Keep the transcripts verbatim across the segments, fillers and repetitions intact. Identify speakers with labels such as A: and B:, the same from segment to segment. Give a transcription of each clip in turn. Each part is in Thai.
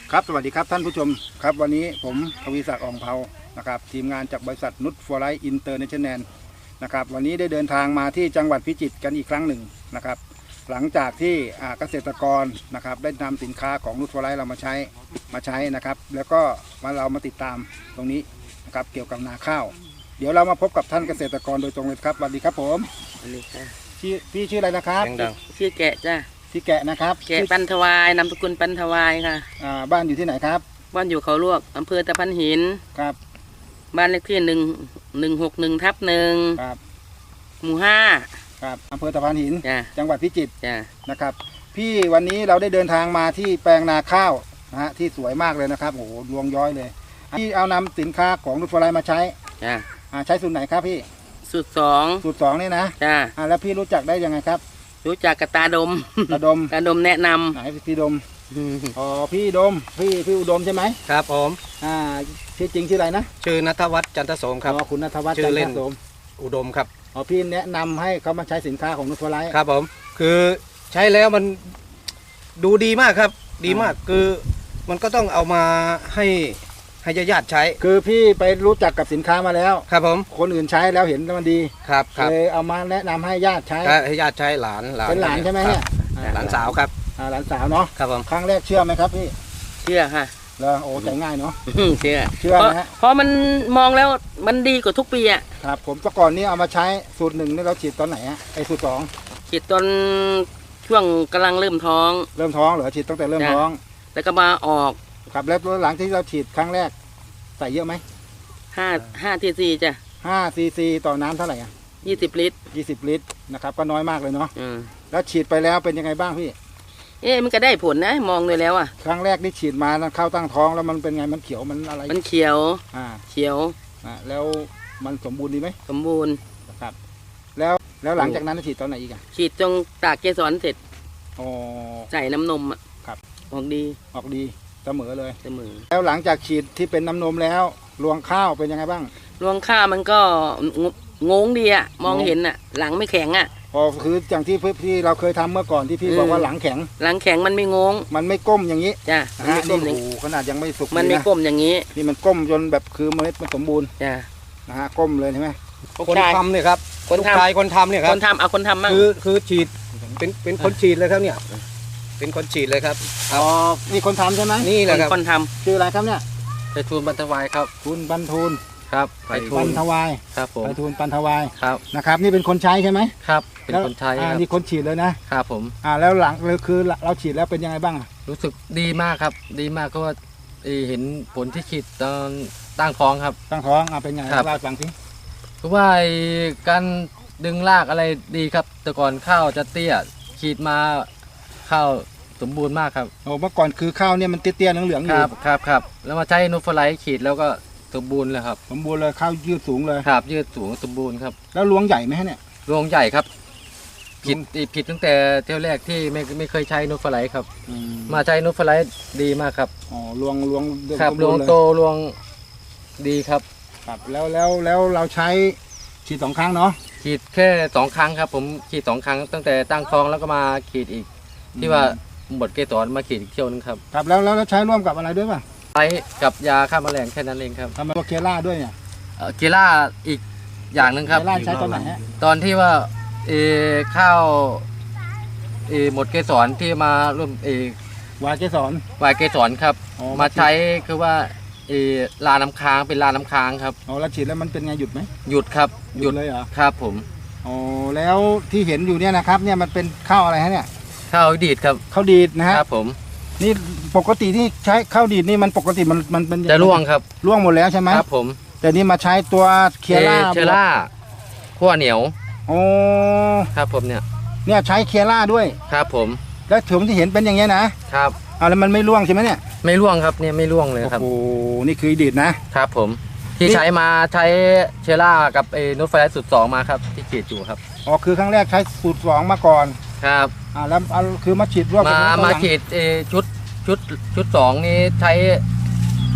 A: ครับสวัสดีครับท่านผู้ชมครับวันนี้ผมทวีศักดิ์อ่องเภานะครับทีมงานจากบริษัทนุชฟอร์ไลท์อินเตอร์เนชั่นแนลนะครับวันนี้ได้เดินทางมาที่จังหวัดพิจิตรกันอีกครั้งหนึ่งนะครับหลังจากที่เกษตรกรนะครับได้นำสินค้าของนุชฟอร์ไลท์เรามาใช้มาใช้นะครับแล้วก็มาเรามาติดตามตรงนี้นะครับเกี่ยวกับนาข้าวเดี๋ยวเรามาพบกับท่านเกษตรกรโดยตรงเลยครับสวัสดีครับผม
B: สวัสดีค่ะ
A: ชื่อพี่ชื่ออะไรนะครับ
B: ชื่อแกะจ้ะ
A: พี่แกะนะครับ
B: แกะปันทวายนามสกุลปันทวายค่ะ
A: อ่าบ้านอยู่ที่ไหนครับ
B: บ้านอยู่เขาลวกอำเภอตะพันหิน
A: ครับ
B: บ้านเลขที่หนึ่งหนึ่งหกหนึ่งทับหนึ่ง
A: ครับ
B: หมู่ห้า
A: ครับอำเภอตะพันหินจังหวัดพิจิตร
B: จ้ะ
A: นะครับพี่วันนี้เราได้เดินทางมาที่แปลงนาข้าวนะฮะที่สวยมากเลยนะครับโอ้โหรวงย้อยเลยที่เอานำสินค้าของนุชฟอร์ไลท์มาใช้
B: จ้ะ
A: อ่าใช้สูตรไหนครับพี่
B: สูตรสอง
A: สูตรสองนี่นะ
B: จ้ะ
A: อ่าแล้วพี่รู้จักได้ยังไงครับ
B: รู้จักกับตาดม
A: ตาดม
B: ตาดมแนะนำ
A: ไหนพี่ดมอ๋อพี่ดมพี่พี่อุดมใช่ไหม
C: ครับผม
A: อ่าชื่อจริงชื่ออะไรนะ
C: ชื่อณัฐวัฒน์จันทโสมครับ
A: อ๋อคุณณัฐวัฒน์จันทโสม
C: อุดมครับ
A: อ๋อพี่แนะนำให้เขามาใช้สินค้าของนุชฟอร์ไลท์
C: ครับผมคือใช้แล้วมันดูดีมากครับดีมากคือมันก็ต้องเอามาให้ให้ญาติใช้
A: คือพี่ไปรู้จักกับสินค้ามาแล้ว
C: ครับผม
A: คนอื่นใช้แล้วเห็นมันดี
C: ครับครับ
A: เลยเอามาแนะนำให้ญาติใช้
C: ให้ญาติใช้หลาน
A: เป็นหลานใช่ไหมเนี่ย
C: หลานสาวครับ
A: หลานสาวเนาะ
C: ครับผม
A: ครั้งแรกเชื่อไหมครับพี่
B: เชื่อค่ะ
A: แล้วโอ้ใจง่ายเนาะ
B: เชื่อ
A: เชื่อนะฮะ
B: เพราะมันมองแล้วมันดีกว่าทุกปีอ่ะ
A: ครับผมแต่ก่อนนี้เอามาใช้สูตรหนึ่งนี่เราฉีดตอนไหนฮะไอสูตรสอง
B: ฉีดตอนช่วงกำลังเริ่มท้อง
A: เริ่มท้องเหรอฉีดตั้งแต่เริ่มท้อง
B: แล้วก็มาออก
A: ครับแล้วหลังที่เราฉีดครั้งแรกใส่เยอะไหม
B: ห้าห้าทีซีจ้ะ
A: ห้าซีซีต่อน้ำเท่าไหร่อ่ะ
B: ยี่สิบลิตร
A: ยี่สิบลิตรนะครับก็น้อยมากเลยเนาะแล้วฉีดไปแล้วเป็นยังไงบ้างพี่
B: เอ๊ะมันก็ได้ผลนะมองเลยแล้วอ่ะ
A: ครั้งแรกที่ฉีดมาเข้าตั้งท้องแล้วมันเป็นไงมันเขียวมันอะไร
B: มันเขียว
A: อ่า
B: เขียว
A: อ่าแล้วมันสมบูรณ์ดีไหม
B: สมบูรณ์
A: ครับแล้วแล้วหลังจากนั้นฉีดตอนไหนอีกอ่ะ
B: ฉีดตรงตากเกสรเสร็จ
A: อ๋อ
B: ใส่น้ำนมอ่ะ
A: ครับ
B: ออกดี
A: ออกดีเสมอเลย
B: เสมอ
A: แล้วหลังจากฉีดที่เป็นน้ำนมแล้วรวงข้าวเป็นยังไงบ้าง
B: รวงข้าวมันก็งงดีอ่ะมองเห็นอ่ะหลังไม่แข็งอ่ะ
A: อ๋อคืออย่างที่พี่เราเคยทำเมื่อก่อนที่พี่บอกว่าหลังแข็ง
B: หลังแข็งมันไม่งง
A: มันไม่ก้มอย่างนี้
B: จ้ะ
A: นี่โอ้โหขนาดยังไม่สุก
B: มันไม่ก้มอย่างนี้
A: นี่มันก้มจนแบบคือเมล็ดมันสมบูรณ์
B: จ้ะ
A: นะฮะก้มเลยใช่ไหม
C: คนทำเนี่ยครับคนทำคนทำเนี่ยครับ
B: คนทำเอาคนทำมั่ง
C: คือคือฉีดเป็นเป็นคนฉีดเลยครับเนี่ยเป็นคนฉีดเลยครับ
A: อ๋อนี่คนทำใช่ไหม
C: นี่แหละครับ
B: คนทำ
A: ชื่ออะไรครับเนี่ย
C: ไปทูลบรรทวายครับ
A: คุณบรรทูล
C: ครับ
A: ไปปันทวาย
C: ครับผม
A: ไปทูลปันทวาย
C: ครับ
A: นะครับนี่เป็นคนใช้ใช่ไหม
C: ครับเป็นคนใช้
A: อ่านี่คนฉีดเลย
C: นะครับผม
A: อ่าแล้วหลังเลยคือเราฉีดแล้วเป็นยังไงบ้าง
C: รู้สึกดีมากครับดีมากก็ว่าเห็นผลที่ฉีดตอนตั้งท้องครับ
A: ตั้งท้องอ่าเป็นไงเล่าฟังสิ
C: คือว่าการดึงรากอะไรดีครับแต่ก่อนข้าวจะเตี้ยฉีดมาข้าวสมบูรณ์มากครับ
A: โอ้เมื่อก่อนคือข้าวเนี่ยมันเตี้ยๆเหลืองๆอยู่
C: ครับครับครับแล้วมาใช้นุชฟอร์ไลท์ฉีดแล้วก็สมบูรณ์เลยครับ
A: สมบูรณ์เลยข้าวยืดสูงเลย
C: ครับยืดสูงสมบูรณ์ครับ
A: แล้วรวงใหญ่ไหมเนี่ย
C: รวงใหญ่ครับผิดผิดตั้งแต่เที่ยวแรกที่ไม่ไม่เคยใช้นุชฟอร์ไลท์ครับมาใช้นุชฟอร์ไลท์ดีมากครับ
A: อ๋อรวงรวง
C: ครับรวงโตรวงดีครับ
A: ครับแล้วแล้วแล้วเราใช้ฉีดสองครั้งเนาะ
C: ฉีดแค่สองครั้งครับผมฉีดสองครั้งตั้งแต่ตั้งท้องแล้วก็มาฉีดอีกที่ว่าหมดเกสรมาฉีดอีกเที่ยวนึงครับ
A: ครับแล้วแล้วใช้ร่วมกับอะไรด้วยป่ะ
C: ใช้กับยาฆ่าแมลงแค่นั้นเองครับ
A: ทำไมตัวเคล่าด้วยเนี่ย
C: เคล่าอีกอย่างหนึ่งครับ
A: เคล่าใช้ตอนไหนฮะ
C: ตอนที่ว่าเอข้าวเอหมดเกสรที่มาร่วมเอ
A: วายเกสร
C: วายเกสรครับมาใช้คือว่าเอลาน้ำค้างเป็นลาน้ำค้างครับ
A: อ๋อแล้วฉีดแล้วมันเป็นไงหยุดไหม
C: หยุดครับ
A: หยุดเลยเหรอ
C: ครับผม
A: อ๋อแล้วที่เห็นอยู่เนี่ยนะครับเนี่ยมันเป็นข้าวอะไรฮะเนี่ย
C: ข้าวดีดครับ
A: ข้าวดีดนะฮะ
C: ครับผม
A: นี่ปกติที่ใช้ข้าวดีดนี่มันปกติมันมันเป็น
C: จะร่วงครับ
A: ร่วงหมดแล้วใช่ไหม
C: ครับผม
A: แต่นี่มาใช้ตัวเคียร่า
C: เคียร่าขั้วเหนียว
A: โอ้
C: ครับผมเนี่ย
A: เนี่ยใช้เคียร่าด้วย
C: ครับผม
A: แล้วถุงที่เห็นเป็นอย่างเงี้ยนะครับเอาแล้วมันไม่ร่วงใช่ไหมเนี่ย
C: ไม่ร่วงครับเนี่ยไม่ร่วงเลยครับ
A: โอ้นี่คือดีดนะครับ
C: ผมที่ใช้มาใช้เคียร่ากับไอ้นุชฟอร์ไลท์สูตรสองมาครับที่ฉีดอยู่ครับ
A: อ๋อคือครั้งแรกใช้สูตรสองมาก่อน
C: ครับ
A: อ่าแล้วเอาคือมาฉีดร่วม
C: มามาฉีดเอชุดชุดชุดสองนี้ใช้เอ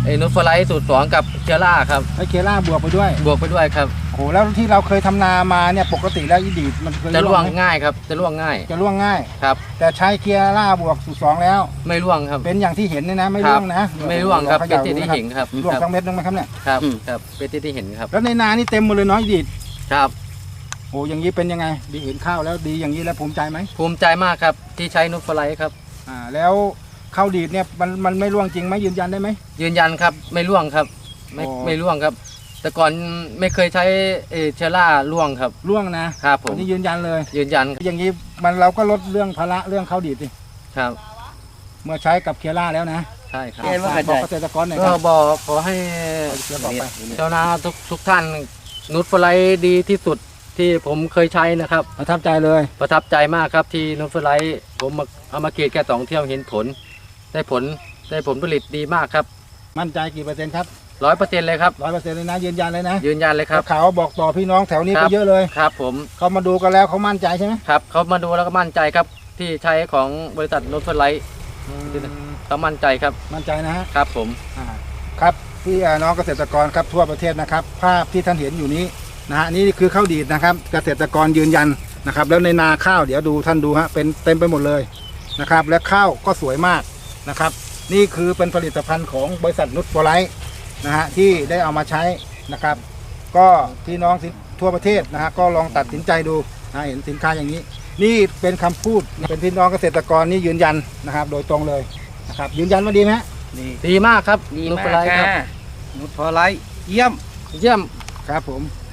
C: ไอ้นูตฟลายสูตรสองกับเชื้อราครับ
A: ไอเคล่าบวกไปด้วย
C: บวกไปด้วยครับ
A: โอ้แล้วที่เราเคยทำนามาเนี่ยปกติแล้วอีดีดมันเคย
C: จะร่วง
A: ไหม
C: ง่ายครับจะร่วงง่าย
A: จะร่วงง่าย
C: ครับ
A: แต่ใช้เคล่าบวกสูตรสองแล้ว
C: ไม่ร่วงครับ
A: เป็นอย่างที่เห็นเนี่ยนะไม่ร่วงนะ
C: ไม่ร่วงครับ
A: ข
C: เป็น
A: ย่า
C: ที่
A: ดู
C: ที่
A: นะครับ
C: เห็นครับ
A: ร่วง
C: ครับ
A: ทั้งเม็ดนึงไหมครับเนี่ย
C: ครับครับเป็นที่ที่เห็นครับ
A: แล้วในนานี่เต็มหมดเลยเนาะอีดีด
C: ครับ
A: โอ้อย่างนี้เป็นยังไงดีเห็นข้าวแล้วดีอย่างนี้แล้วภูมิใจไหม
C: ภูมิใจมากครับที่ใช้นูตฟลายครับ
A: อ่าแล้วข้าวดีดเนี่ยมันมันไม่ร่วงจริงไหมยืนยันได้ไหม
C: ยืนยันครับไม่ร่วงครับไม่
A: อ๋อ
C: ไม่ร่วงครับ แต่ก่อนไม่เคยใช้เอ่อเชื้อราร่วงครับ
A: ร่วงนะครับ
C: ผม
A: อันนี้ยืนยันเลย
C: ยืนยันครับ
A: อย่างนี้มันเราก็ลดเรื่องภาระเรื่องข้าวดีดสิ
C: ครับ
A: เมื่อใช้กับเคล่าแล้วนะ
C: ใช่ครับ
B: เรียนว่า
A: ฝากบอกเกษตรกรหน่อยค
C: ก็
A: รับ
C: บอกขอให้
A: เดี๋ยวบอกไป
C: ชาวนาทุกทุกท่านนูตฟลายดีที่สุดที่ผมเคยใช้นะครับ
A: ประทับใจเลย
C: ประทับใจมากครับที่นูตฟลายผมมาเอามากรีดแค่สองเที่ยวเห็นผล ได้ผลได้ผลผลิตดีมากครับ
A: มั่นใจกี่เปอร์เซ็นต์ครับ
C: ร้อยเปอร์เซ็นต์เลยครับ
A: ร้อยเปอร์เซ็นต์เลยนะยืนยันเลยนะ
C: ยืนยันเลยครับ
A: ข่าวบอกต่อพี่น้องแถวนี้
C: ครั
A: ก็
C: บ
A: เยอะเลย
C: ครับผม
A: เขามาดูกันแล้วเขามั่นใจใช่ไหม
C: ครับเขามาดูแล้วก็มั่นใจครับที่ใช้ของบริษัทนูตฟลายเขามั่นใจครับ
A: มั่นใจนะฮะ
C: ครับผม
A: อ่าครับพี่อ่าน้องเกษตรกรครับทั่วประเทศนะครับ ภาพที่ท่านเห็นอยู่นี้นะฮะนี่คือข้าวดีดนะครับ เกษตรกรยืนยันนะครับ แล้วในนาข้าวเดี๋ยวดูท่านดูฮะเป็นเต็มไปหมดเลยนะครับ และข้าวก็สวยมากนะครับ นี่คือเป็นผลิตภัณฑ์ของบริษัทนุชโฟไลท์นะฮะที่ได้เอามาใช้นะครับ ก็พี่น้องทั่วประเทศนะฮะก็ลองตัดสินใจดูนะเห็นสินค้าอย่างนี้ นี่เป็นคำพูดเป็นพี่น้องเกษตรกรนี่ยืนยันนะครับ โดยตรงเลยนะครับยืนยันว่าดีไหมฮะ
C: ดีดีมากครับ
B: ดี
C: นูต
B: มา
C: ฟ
B: ก
C: ลายค
B: ค่ะ
C: รับนูตฟลายเยี่ยมเยี่ยม
A: ครับผม